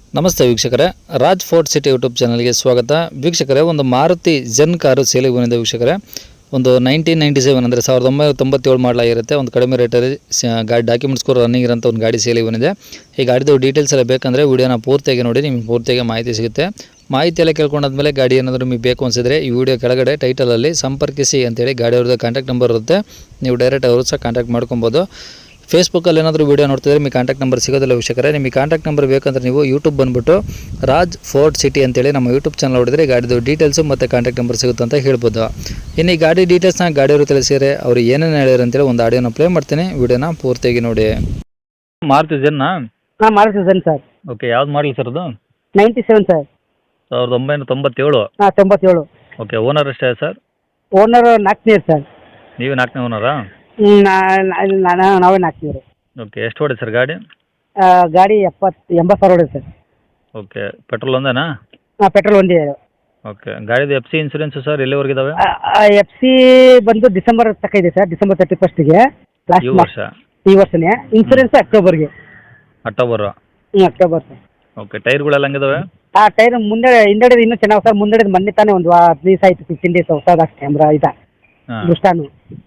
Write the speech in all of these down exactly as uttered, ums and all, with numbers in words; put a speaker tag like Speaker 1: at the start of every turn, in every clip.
Speaker 1: ನಮಸ್ತೆ ವೀಕ್ಷಕರೇ, Raj fort city YouTube ಚಾನಲ್ಗೆ ಸ್ವಾಗತ. ವೀಕ್ಷಕರೇ, ಒಂದು ಮಾರುತಿ ಜೆನ್ ಕಾರು ಸೇಲಿಗೆ ಬಂದಿದೆ ವೀಕ್ಷಕರೇ. ಒಂದು ನೈನ್ಟೀನ್ ನೈಂಟಿ ಸೆವೆನ್ ಅಂದರೆ ಸಾವಿರದ ಒಂಬೈನೂರ ತೊಂಬತ್ತೇಳು ಮಾಡಲಾಗಿರುತ್ತೆ. ಒಂದು ಕಡಿಮೆ ರೇಟಲ್ಲಿ ಗಾಡಿ ಡಾಕ್ಯುಮೆಂಟ್ಸ್ ಕೂಡ ರನ್ನಿಂಗ್ ಇರೋಂಥ ಒಂದು ಗಾಡಿ ಸೇಲಿಗೆ ಬಂದಿದೆ. ಈ ಗಾಡಿದು ಡೀಟೇಲ್ಸ್ ಎಲ್ಲ ಬೇಕಂದರೆ ವೀಡಿಯೋನ ಪೂರ್ತಿಯಾಗಿ ನೋಡಿ, ನಿಮಗೆ ಪೂರ್ತಿಯಾಗಿ ಮಾಹಿತಿ ಸಿಗುತ್ತೆ. ಮಾಹಿತಿ ಎಲ್ಲ ಕೇಳ್ಕೊಂಡಾದ್ಮೇಲೆ ಗಾಡಿ ಏನಾದರೂ ನಿಮಗೆ ಬೇಕು ಅನಿಸಿದ್ರೆ ಈ ವಿಡಿಯೋ ಕೆಳಗಡೆ ಟೈಟಲಲ್ಲಿ ಸಂಪರ್ಕಿಸಿ ಅಂತೇಳಿ ಗಾಡಿ ಅವ್ರದ್ದು ಕಾಂಟ್ಯಾಕ್ಟ್ ನಂಬರ್ ಇರುತ್ತೆ. ನೀವು ಡೈರೆಕ್ಟ್ ಅವರು ಸಹ ಕಾಂಟ್ಯಾಕ್ಟ್ ಮಾಡ್ಕೊಬೋದು. ಫೇಸ್ಬುಕ್ಕಲ್ಲಿ ಏನಾದರೂ ವೀಡಿಯೋ ನೋಡ್ತಿದ್ರೆ ನಿಮಗೆ ಕಾಂಟ್ಯಾಕ್ಟ್ ನಂಬರ್ ಸಿಗೋದಿಲ್ಲ ವೀಕ್ಷಕರೇ. ನಿಮಗೆ ಕಾಂಟ್ಯಾಕ್ಟ್ ನಂಬರ್ ಬೇಕಂದ್ರೆ ನೀವು ಯೂಟ್ಯೂಬ್ ಬಂದುಬಿಟ್ಟು ರಾಜ್ ಫೋರ್ಟ್ ಸಿಟಿ ಅಂತೇಳಿ ನಮ್ಮ ಯೂಟ್ಯೂಬ್ ಚಾನಲ್ ನೋಡಿದ್ರೆ ಗಾಡಿದು ಡೀಟೇಲ್ಸು ಮತ್ತು ಕಾಂಟ್ಯಾಕ್ಟ್ ನಂಬರ್ ಸಿಗುತ್ತೆ ಅಂತ ಹೇಳ್ಬೋದು. ಇನ್ನು ಈ ಗಾಡಿ ಡೀಟೇಲ್ಸ್ನ ಗಾಡಿಯವರು ತಿಳಿಸಿದರೆ ಅವ್ರು ಏನೇನು ಹೇಳಿದ್ರು ಅಂತೇಳಿ ಒಂದು ಆಡಿಯೋನ ಪ್ಲೇ ಮಾಡ್ತೀನಿ, ವಿಡಿಯೋನ ಪೂರ್ತಿಯಾಗಿ ನೋಡಿ. ಮಾರುತಿ ಜೆನ್ನಾ?
Speaker 2: ಹಾಂ, ಮಾರುತಿ ಜೆನ್ ಸರ್.
Speaker 1: ಓಕೆ, ಯಾವ್ದು ಮಾಡಲಿ ಸರ್ ಅದು?
Speaker 2: Ninety seven sir.
Speaker 1: ಸಾವಿರದ ಒಂಬೈನೂರ ತೊಂಬತ್ತೇಳು.
Speaker 2: ಹಾಂ, ತೊಂಬತ್ತೇಳು.
Speaker 1: ಓಕೆ, ಓನರ್ ಎಷ್ಟೇ ಸರ್?
Speaker 2: ಓನರ್ ನಾಲ್ಕನೇ ಸರ್.
Speaker 1: ನೀವು ನಾಲ್ಕನೇ ಓನರಾ?
Speaker 2: ಹ್ಞೂ, ನಾನು ನಾವೇ ನಾಲ್ಕನೇರು.
Speaker 1: ಓಕೆ, ಎಷ್ಟು ಹೊಡೆ ಸರ್ ಗಾಡಿ?
Speaker 2: ಗಾಡಿ ಎಪ್ಪತ್ತು ಎಂಬತ್ತು ಸಾವಿರ ಹೊಡೆದು ಸರ್.
Speaker 1: Okay, petrol ಒಂದೇನಾ?
Speaker 2: ಹಾಂ, ಪೆಟ್ರೋಲ್ ಒಂದೇ.
Speaker 1: ಓಕೆ, ಗಾಡಿದು ಎಫ್ ಸಿ ಇನ್ಸೂರೆನ್ಸು ಸರ್ ಎಲ್ಲಿವರೆಗೆ ಇದಾವೆ?
Speaker 2: ಎಫ್ ಸಿ ಬಂದು ಡಿಸೆಂಬರ್ ತನಕ ಇದೆ ಸರ್, ಡಿಸೆಂಬರ್ ತರ್ಟಿ ಫಸ್ಟಿಗೆ
Speaker 1: ಈ
Speaker 2: ಲಾಸ್ಟ್
Speaker 1: ವರ್ಷ?
Speaker 2: ಈ ವರ್ಷನೇ. ಇನ್ಸೂರೆನ್ಸ್ ಅಕ್ಟೋಬರ್ಗೆ.
Speaker 1: ಅಕ್ಟೋಬರು?
Speaker 2: ಹ್ಞೂ, ಅಕ್ಟೋಬರ್ ಸರ್.
Speaker 1: ಓಕೆ, ಟೈರ್ಗಳೆಲ್ಲ ಹಂಗಿದಾವೆ?
Speaker 2: ಆ ಟೈರ್ ಮುಂದೆ ಹಿಂದೆಡೆದು ಇನ್ನೂ ಚೆನ್ನಾಗಿ ಸರ್. ಮುಂದೆಡೆದು ಮೊನ್ನೆ ತಾನೇ ಒಂದು ಹದಿನೈದು ದಿವಸ ಆಯಿತು, ಫಿಫ್ಟೀನ್ ಡೇಸ್ ಹೊಸದು ಅಷ್ಟೇ. ಅಂದ್ರ ಇದ ದೃಷ್ಟಾನು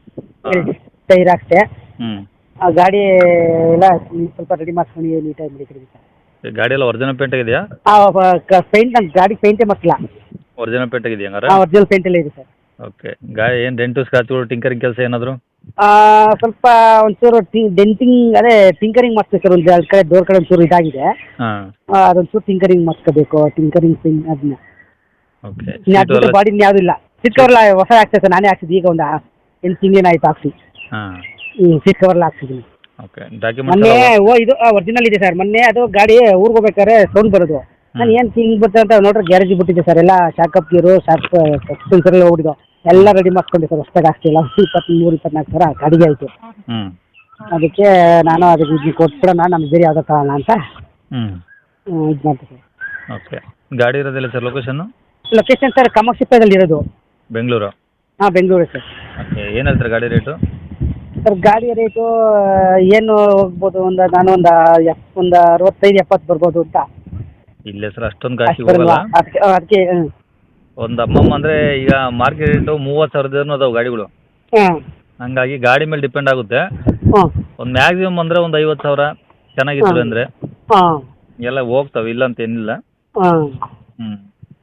Speaker 2: ಟೈರ್ ಅಷ್ಟೇ.
Speaker 1: ಹ್ಞೂ,
Speaker 2: ಆ ಗಾಡಿ ಎಲ್ಲ ಸ್ವಲ್ಪ ರೆಡಿ ಮಾಡ್ಕೊಂಡು ನೀಟಾಗಿ ಮಾಡಿ ಸರ್.
Speaker 1: ಗಾಡಿ ಎಲ್ಲ ಒರಿಜಿನಲ್ ಪೇಂಟ್ ಆಗಿದೆಯಾ?
Speaker 2: ಪೇಂಟ್ ನಮ್ಮ ಗಾಡಿ ಪೇಂಟೇ ಮಕ್ಕಳ.
Speaker 1: ಒರಿಜಿನಲ್ ಪೇಂಟ್ ಆಗಿದೆಯಾ ಹಂಗಾರೆ?
Speaker 2: ಹಾಂ, ಒರಿಜಿನಲ್ ಪೇಂಟ್ ಎಲ್ಲ ಇದೆ ಸರ್.
Speaker 1: ಓಕೆ, ಗಾಡಿ ಏನು ಡೆಂಟು ಸ್ಕ್ರಾಚ್ಗಳು ಟಿಂಕರಿಂಗ್ ಕೆಲಸ ಏನಾದರೂ?
Speaker 2: ಸ್ವಲ್ಪ ಒಂಚೂರು ಟಿ ಡೆಂಟಿಂಗ್ ಅದೇ ಟಿಂಕರಿಂಗ್ ಮಾಡಿಸ್ಬೇಕು ಸರ್. ಒಂದು ಎರಡು ಕಡೆ ಡೋರ್ ಕಡೆ ಒಂಚೂರು ಇದಾಗಿದೆ.
Speaker 1: ಹಾಂ,
Speaker 2: ಅದೊಂಚೂರು ಟಿಂಕರಿಂಗ್ ಮಾಡಿಸ್ಕೋಬೇಕು. ಟಿಂಕರಿಂಗ್ ಪಿಂಗ್ ಅದನ್ನ
Speaker 1: ಓಕೆ.
Speaker 2: ಅದು ಬಾಡಿ ಯಾವುದೂ ಇಲ್ಲ. ಸೀಟ್ ಕವರ್ ಹೊಸ ಹಾಕ್ತೇವೆ ಸರ್, ನಾನೇ ಹಾಕ್ಸಿದ್ದು. ಈಗ ಒಂದು ಎಂಟು ತಿಂಗಳೇನು ಆಯ್ತು ಹಾಕ್ಸಿ.
Speaker 1: ಹಾಂ,
Speaker 2: ಹ್ಞೂ, ಸೀಟ್ ಕವರ್ಲ್ಲ ಹಾಕ್ಸಿದ್ದೀನಿ.
Speaker 1: ಓಕೆ, ಡಾಕ್ಯುಮೆಂಟ್ಸ್
Speaker 2: ಮೊನ್ನೆ ಓ ಇದು ಒರಿಜಿನಲ್ ಇದೆ ಸರ್. ಮೊನ್ನೆ ಅದು ಗಾಡಿ ಊರಿಗೆ ಹೋಗ್ಬೇಕಾದ್ರೆ ಸೌಂಡ್ ಬರೋದು. ನಾನು ಏನು ಹಿಂಗೆ ಬರ್ತದೆ ಅಂತ ನೋಡ್ರೆ ಗ್ಯಾರೇಜ್ ಬಿಟ್ಟಿದ್ದೆ ಸರ್. ಎಲ್ಲ ಶಾಕಪ್ ಗೀರು ಶಾಕ್ ಸೆನ್ಸರ್ ಎಲ್ಲ ಹೋಗಿದ್ದು ಎಲ್ಲ ರೆಡಿ ಮಾಡ್ಕೊಂಡೆ ಸರ್. ಹೊಸ್ದಾಗಿ ಹಾಕ್ತಿಲ್ಲ. ಇಪ್ಪತ್ತ್ಮೂರು ಇಪ್ಪತ್ನಾಲ್ಕು ಸಾವಿರ ಗಾಡಿಗೆ ಆಯಿತು.
Speaker 1: ಹ್ಞೂ,
Speaker 2: ಅದಕ್ಕೆ ನಾನು ಅದಕ್ಕೆ ಇದು ಕೊಟ್ಬಿಡೋಣ, ನಮ್ಗೆ ಬೇರೆ ಯಾವುದೋ ತಗೋಣ ಅಂತ
Speaker 1: ಹ್ಞೂ
Speaker 2: ಇದು ಮಾಡ್ತೀನಿ ಸರ್.
Speaker 1: ಓಕೆ, ಗಾಡಿ ಇರೋದಿಲ್ಲ ಸರ್ ಲೊಕೇಶನ್ನು?
Speaker 2: ಲೊಕೇಶನ್ ಸರ್ ಕಾಮಾಕ್ಷಿಪೇಟೆಯಲ್ಲಿ ಇರೋದು.
Speaker 1: ಬೆಂಗಳೂರು?
Speaker 2: ಹಾಂ, ಬೆಂಗಳೂರು ಸರ್.
Speaker 1: ಓಕೆ, ಏನು ಹೇಳ್ತಾರೆ ಗಾಡಿ ರೇಟು?
Speaker 2: ಸರ್ ಗಾಡಿ ರೇಟು ಏನು ಹೋಗ್ಬೋದು, ಒಂದು ನಾನು ಒಂದು ಎಪ್ ಒಂದು ಅರವತ್ತೈದು ಎಪ್ಪತ್ತು ಬರ್ಬೋದು ಅಂತ.
Speaker 1: ಇಲ್ಲ ಸರ್, ಅಷ್ಟೊಂದು ಕಾಸ್ಟ್ಲಿ ಹೋಗಲ್ಲ.
Speaker 2: ಅದಕ್ಕೆ ಅದಕ್ಕೆ
Speaker 1: ಒಂದು ಅಮ್ಮಮ್ಮ ಅಂದರೆ ಈಗ ಮಾರ್ಕೆಟ್ ರೇಟು ಮೂವತ್ತು ಸಾವಿರದೇನು ಅದಾವೆ ಗಾಡಿಗಳು.
Speaker 2: ಹಾಂ,
Speaker 1: ಹಂಗಾಗಿ ಗಾಡಿ ಮೇಲೆ ಡಿಪೆಂಡ್ ಆಗುತ್ತೆ.
Speaker 2: ಹಾಂ,
Speaker 1: ಒಂದು ಮ್ಯಾಕ್ಸಿಮಮ್ ಅಂದರೆ ಒಂದು ಐವತ್ತು ಸಾವಿರ ಚೆನ್ನಾಗಿತ್ತು ಅಂದರೆ
Speaker 2: ಹಾಂ,
Speaker 1: ಎಲ್ಲ ಹೋಗ್ತವೆ, ಇಲ್ಲ ಅಂತ ಏನಿಲ್ಲ.
Speaker 2: ಹಾಂ,
Speaker 1: ಹ್ಞೂ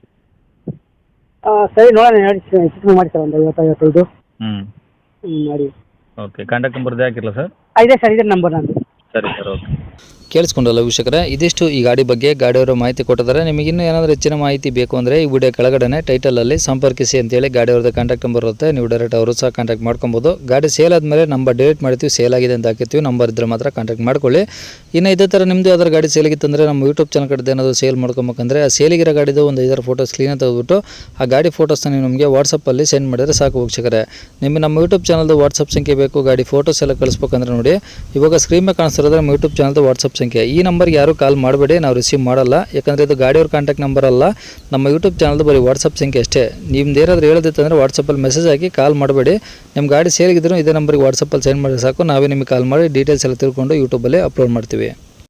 Speaker 2: ಸರಿ, ನೋಡೋಣ ನೋಡಿ ಚಿಕ್ಕ ಮಾಡಿ ಸರ್. ಒಂದು ಐವತ್ತು ಐವತ್ತೈದು
Speaker 1: ಹ್ಞೂ
Speaker 2: ಹ್ಞೂ ಮಾಡಿ.
Speaker 1: ಓಕೆ, ಕಾಂಟ್ಯಾಕ್ಟ್ ನಂಬರ್ದು ಹಾಕಿರಲ್ಲ ಸರ್?
Speaker 2: ಇದೆ ಸರ್, ಇದೆ ನಂಬರ್ ನಂದು.
Speaker 1: ಸರಿ ಸರ್, ಓಕೆ. ಕೇಳಿಸ್ಕೊಂಡಲ್ಲ ವೀಕ್ಷಕರೇ, ಇದಿಷ್ಟು ಈ ಗಾಡಿ ಬಗ್ಗೆ ಗಾಡಿಯವರು ಮಾಹಿತಿ ಕೊಟ್ಟಿದ್ದಾರೆ. ನಿಮಗೆ ಇನ್ನೂ ಏನಾದರೂ ಹೆಚ್ಚಿನ ಮಾಹಿತಿ ಬೇಕು ಅಂದರೆ ಈ ವಿಡಿಯೋ ಕೆಳಗಡೆ ಟೈಟಲಲ್ಲಿ ಸಂಪರ್ಕಿಸಿ ಅಂತೇಳಿ ಗಾಡಿಯವ್ರದ್ದು ಕಾಂಟ್ಯಾಕ್ಟ್ ನಂಬರ್ ಇರುತ್ತೆ. ನೀವು ಡೈರೆಕ್ಟ್ ಅವರು ಸಹ ಕಾಂಟ್ಯಾಕ್ಟ್ ಮಾಡ್ಕೊಬೋದು. ಗಾಡಿ ಸೇಲ್ ಆದಮೇಲೆ ನಂಬರ್ ಡಿಲೀಟ್ ಮಾಡ್ತೀವಿ, ಸೇಲ್ ಆಗಿದೆ ಅಂತ ಹಾಕಿರ್ತೀವಿ. ನಂಬರ್ ಇದ್ದರೆ ಮಾತ್ರ ಕಾಂಟ್ಯಾಕ್ಟ್ ಮಾಡ್ಕೊಳ್ಳಿ. ಇನ್ನು ಇದೇ ಥರ ನಿಮ್ಮದು ಯಾವ್ದಾರು ಗಾಡಿ ಸೇಲಿಗಿತ್ತಂದರೆ ನಮ್ಮ ಯೂಟ್ಯೂಬ್ ಚಾನಲ್ ಕಡೆ ಏನಾದರೂ ಸೇಲ್ ಮಾಡ್ಕೊಬೇಕಂದ್ರೆ ಆ ಸೇಲಿಗಿರೋ ಗಾಡಿದು ಒಂದು ಐದಾರು ಫೋಟೋಸ್ ಕ್ಲೀನಾಗಿ ತೆಗೆದುಬಿಟ್ಟು ಆ ಗಾಡಿ ಫೋಟೋಸ್ನ ನೀವು ನಮಗೆ ವಾಟ್ಸಪ್ಪಲ್ಲಿ ಸೆಂಡ್ ಮಾಡಿದರೆ ಸಾಕು ವೀಕ್ಷಕರೇ. ನಿಮಗೆ ನಮ್ಮ ಯೂಟ್ಯೂಬ್ ಚಾನಲ್ದು ವಾಟ್ಸಪ್ ಸಂಖ್ಯೆ ಬೇಕು, ಗಾಡಿ ಫೋಟೋಸ್ ಎಲ್ಲ ಕಳಿಸ್ಬೇಕಂದ್ರೆ ನೋಡಿ ಇವಾಗ ಸ್ಕ್ರೀನ್ ಮೇಲೆ ಕಾಣಿಸ್ತಿರೋದ್ರೆ ನಮ್ಮ ಯೂಟ್ಯೂಬ್ ಚಾನಲ್ದು ವಾಟ್ಸಪ್ ಸಂಖ್ಯೆ. ಈ ನಂಬರ್ಗೆ ಯಾರು ಕಾಲ್ ಮಾಡಬೇಡಿ, ನಾವು ರಿಸೀವ್ ಮಾಡಲ್ಲ. ಯಾಕಂದರೆ ಇದು ಗಾಡಿಯವ್ರ ಕಾಂಟ್ಯಾಕ್ಟ್ ನಂಬರ್ ಅಲ್ಲ, ನಮ್ಮ ಯೂಟ್ಯೂಬ್ ಚಾನಲ್ದು ಬರೀ ವಾಟ್ಸಪ್ ಸಂಖ್ಯೆ ಅಷ್ಟೇ. ನಿಮ್ದು ಏನಾದರೂ ಹೇಳೋದಿತ್ತಂದರೆ ವಾಟ್ಸಪ್ಪಲ್ಲಿ ಮೆಸೇಜ್ ಹಾಕಿ ಕಾಲ್ ಮಾಡಬೇಡಿ. ನಿಮ್ಮ ಗಾಡಿ ಸೇರಿಗಿದ್ರು ಇದೇ ನಂಬರ್ಗೆ ವಾಟ್ಸಪ್ಪಲ್ಲಿ ಸೆಂಡ್ ಮಾಡಿ ಸಾಕು, ನಾವೇ ನಿಮಗೆ ಕಾಲ್ ಮಾಡಿ ಡೀಟೇಲ್ಸ್ ಎಲ್ಲ ತಿಳ್ಕೊಂಡು ಯೂಟ್ಯೂಬಲ್ಲಿ ಅಪ್ಲೋಡ್ ಮಾಡ್ತೀವಿ.